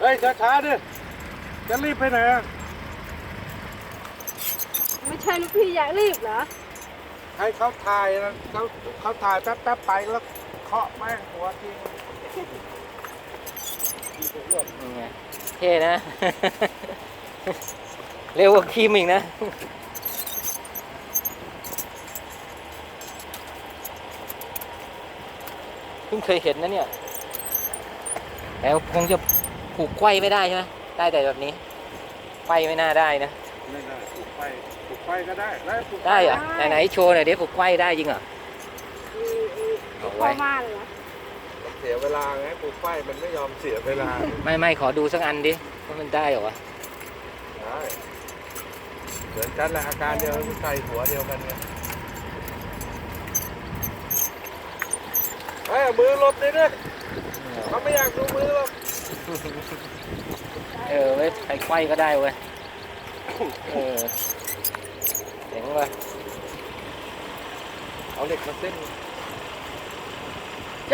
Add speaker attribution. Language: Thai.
Speaker 1: ฮ้ยช้าๆดิจะรีบไปไหนอะ
Speaker 2: ไม่ใช่ลูกพี่อยากรีบเหรอ
Speaker 1: ให้เขาถ่ายนะเขาถ่ายแป๊บๆไปแล้วเคาะแม่งหัวจริง
Speaker 3: นี่ไงเท่นะ เร็วกว่าครีมอีกนะเพิ่งเคยเห็นนะเนี่ยแล้วคงจะผูกไขว้ไม่ได้ใช่ไหมได้แต่แบบนี้ไขว้ไม่น่าได้นะ
Speaker 1: ไม่ได้ปลูกไฟก็ได้แล้วปลูกฟ
Speaker 3: ได้เหรอไหนๆโชว์หน่อยดิผูกไขว้ได้จริงเหรอ เอา
Speaker 2: พ
Speaker 3: ไว้
Speaker 2: อมาเลยเหรอ
Speaker 1: เสียเวลาไงปลูกไฟมันไม่ยอมเสียเวลา
Speaker 3: ไม่ขอดูสักอันดิว่ามันได้เหรอวะ
Speaker 1: ได้เหมือนกันแหละอาการเดียวกันใส่หัวเดียวกันไงเฮ้ยเอามือหลบดิเนี่ยเขาไม่อยากดูมือหรอก
Speaker 3: เว้ยใครไขว้ก็ได้เว้ยเจ๋งว่ะ
Speaker 1: เอาเหล็กมาเส้น